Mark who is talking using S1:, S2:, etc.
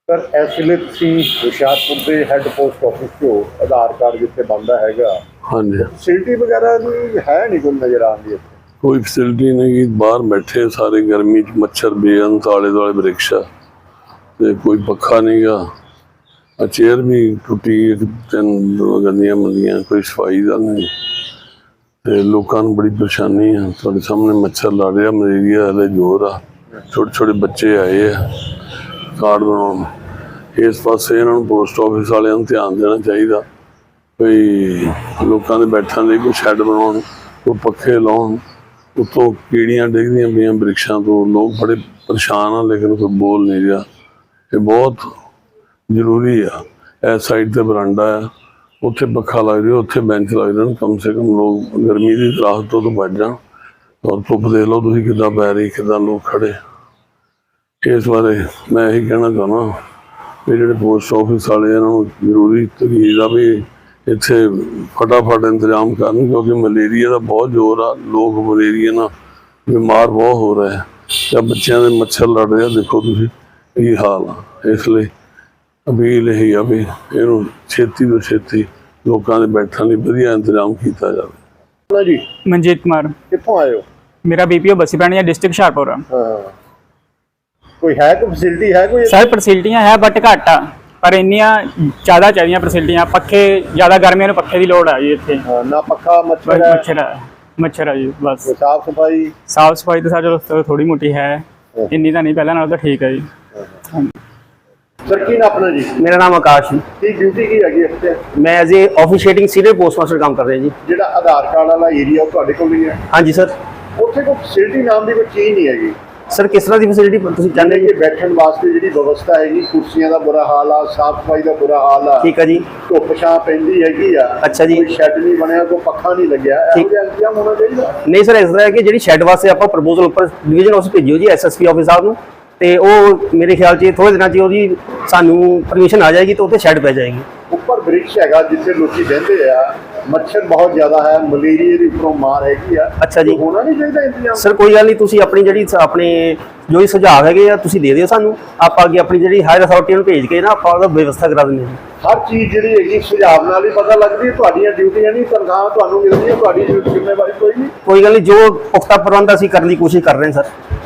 S1: Sir इस ਵੇਲੇ ਤੁਸੀਂ ਹੁਸ਼ਿਆਰਪੁਰ ਦੇ ਹੈੱਡ ਪੋਸਟ ਆਫਿਸ ਤੋਂ ਆਧਾਰ ਕਾਰਡ ਜਿੱਥੇ ਬਣਦਾ ਹੈਗਾ
S2: हाँ जी
S1: ਫੈਸਿਲਿਟੀ ਵਗੈਰਾ ਦੀ ਹੈ ਨਹੀਂ ਕੋਈ ਨਜ਼ਰ ਆਉਂਦੀ ਇੱਥੇ
S2: कोई फैसिलिटी नहीं कि बाहर बैठे सारे गर्मी च मच्छर बेअंत आले दुआले वृक्षा ते कोई पक्खा नहीं गा चेयर भी टुटी तीन गंदियां मंदियां कोई सफाई का नहीं ते लोगों को बड़ी परेशानी है थोड़े सामने मच्छर लड़ रहा मलेरिया हले जोर आ छोटे छोटे बच्चे आए हैं कार्ड बनाने इस पासे इन्हों पोस्ट ऑफिस वाले ध्यान देना चाहिए भई लोगों के बैठने लिए कोई शैड बनाउण कोई पखे लाउण उत्तों कीड़ियां डिगदियां पईयां वृक्षां तो लोग बड़े परेशान हैं लेकिन कोई बोल नहीं रहा ये बहुत जरूरी है इस साइड ते बरांडा है उत्थे पखा लग रहा उत्थे बेंच लग रहे कम से कम लोग गर्मी की राहत तो बच जान और धुप देख लो तुसीं किद्दां पै रही किद्दां लोग खड़े इस बारे मैं यही कहना चाहना भी जिहड़े पोस्ट ऑफिस वाले इन्हां नूं जरूरी तरीका भी इत्थे फटाफट इंतजाम करन क्योंकि मलेरिया का बहुत जोर आ लोग मलेरिया ना बीमार बहुत हो रहे हैं जब बच्चों के मच्छर लड़ रहे देखो तुसीं की हाल आ इसलिए अपील यही आ भी इहनूं छेती तो छेती लोगों के बैठने लिए वधिया इंतजाम किया जाए।
S1: जी
S3: मनजीत कुमार
S1: कित्थों आए हो?
S3: मेरा बीपीओ बसी पैणी है डिस्ट्रिक्ट हुशियारपुर।
S1: कोई है कोई फैसिलिटी है कोई?
S3: सर फैसिलिटियां है बट घट आ पर इन्नियां ज़्यादा चाहिए फैसिलिटियां पखे ज़्यादा गर्मियों में पखे की लोड़ है जी इत्थे
S1: ना पक्का मच्छर है
S3: मच्छर है जी बस
S1: साफ सफाई
S3: तो सर चलो थोड़ी मोटी है इन्नी तो नहीं पहले नाल तो ठीक है जी।
S1: सर की ना अपना जी?
S4: मेरा नाम आकाश है।
S1: की ड्यूटी की हैगी इत्थे?
S4: मैं as a officiating senior post master काम कर रहा जी।
S1: ਜਿਹੜਾ ਆਧਾਰ ਕਾਰਡ ਵਾਲਾ ਏਰੀਆ ਉਹ ਤੁਹਾਡੇ ਕੋਲ ਹੀ ਹੈ?
S4: हाँ जी सर।
S1: ਉੱਥੇ ਕੋਈ ਫੈਸਿਲਿਟੀ ਨਾਮ ਦੀ ਕੋਈ ਚੀਜ਼ ਨਹੀਂ ਹੈਗੀ
S4: सर किस तरह की फैसिलिटी तुसीं चाहते
S1: ਕਿ ਬੈਠਣ ਵਾਸਤੇ ਜਿਹੜੀ ਵਿਵਸਥਾ ਹੈਗੀ ਕੁਰਸੀਆਂ ਦਾ ਬੁਰਾ ਹਾਲ ਆ ਸਾਫ ਸਫਾਈ ਦਾ ਬੁਰਾ ਹਾਲ ਆ
S4: ठीक है जी।
S1: ਧੁੱਪ ਛਾਂ ਪੈਂਦੀ ਹੈਗੀ ਆ
S4: अच्छा जी।
S1: ਕੋਈ ਸ਼ੈੱਡ ਨਹੀਂ ਬਣਿਆ ਕੋਈ ਪੱਖਾ ਨਹੀਂ ਲੱਗਿਆ ਇਹੋ ਜਿਹਾ ਇੰਤਜ਼ਾਮ ਹੋਣਾ ਚਾਹੀਦਾ।
S4: नहीं सर इस तरह है कि जी शैड वास्ते आप प्रपोजल उपर डिवीजन ऑफिस भेजियो जी SSP ऑफिस साहब नूं ते ਉਹ ਮੇਰੇ ਖਿਆਲ 'ਚ ਥੋੜੇ ਦਿਨਾਂ 'ਚ ਉਹਦੀ ਸਾਨੂੰ ਪਰਮਿਸ਼ਨ ਆ ਜਾਏਗੀ ਤੇ ਉੱਥੇ ਸ਼ੈੱਡ ਪੈ ਜਾਏਗੀ।
S1: ਉੱਪਰ ਬ੍ਰਿਕਸ਼ ਹੈਗਾ ਜਿੱਥੇ ਲੋਕੀ ਬਹਿੰਦੇ ਆ मच्छर बहुत ज्यादा है मलेरिया की उपरों मार हैगी आ।
S4: अच्छा जी।
S1: होना नहीं चाहिए इंतजाम।
S4: सर कोई गल नहीं तुसीं अपनी जिहड़ी अपने जो भी सुझाव हैगे आ तुसीं दे दिओ सानूं आप अगे अपनी जिहड़ी हायर अथॉरिटी नूं भेज के ना ਆਪਾਂ ਉਹਦਾ व्यवस्था करा ਦਿੰਦੇ ਹਾਂ।
S1: हर चीज़ जिहड़ी हैगी सुझाव नाल ही पता लगदी है तुहाडीਆਂ ड्यूटियां नहीं तनख्वाह तुहानूं मिलदी है तुहाडी जिम्मेवारी कोई नहीं।
S4: कोई गल नहीं जो पुख्ता प्रबंध असीं करने की कोशिश कर रहे हैं सर।